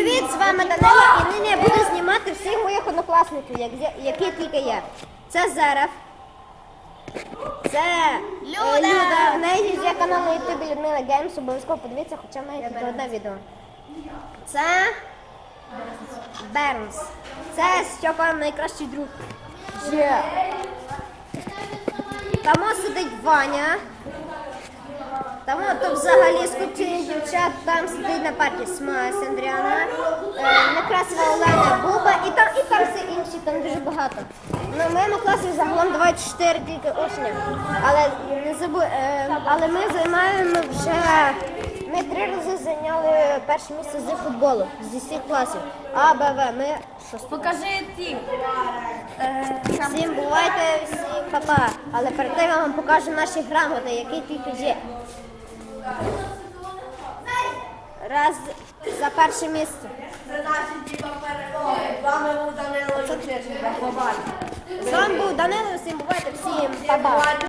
Привіт, з вами Данило, і нині я буду знімати всіх моїх однокласників, які тільки є. Це Зерев, це Люда, в неї є канал на ютубі Людмила Геймс, обов'язково подивіться, хоча в неї тільки одне відео. Це Бернс, це Стьопа найкращий друг. Там сидить Ваня. Там то взагалі скупчені дівчат, там сидить на парті Смайс Андріана, Некрасова Олена, Буба і там всі інші, там дуже багато. На моєму класі загалом 24 тільки учня, але ми займаємо вже, ми 3 рази зайняли перше місце з футболу, зі всіх класів. А, Б, В, ми шосте. Покажи ті. Всім бувайте, всім па-па. Але перед тим я вам покажу наші грамоти, які тільки є. Раз за перше місце. Це наші перемоги. З вами був Данило. З вами був Данило, всім бувайте, всім па-па.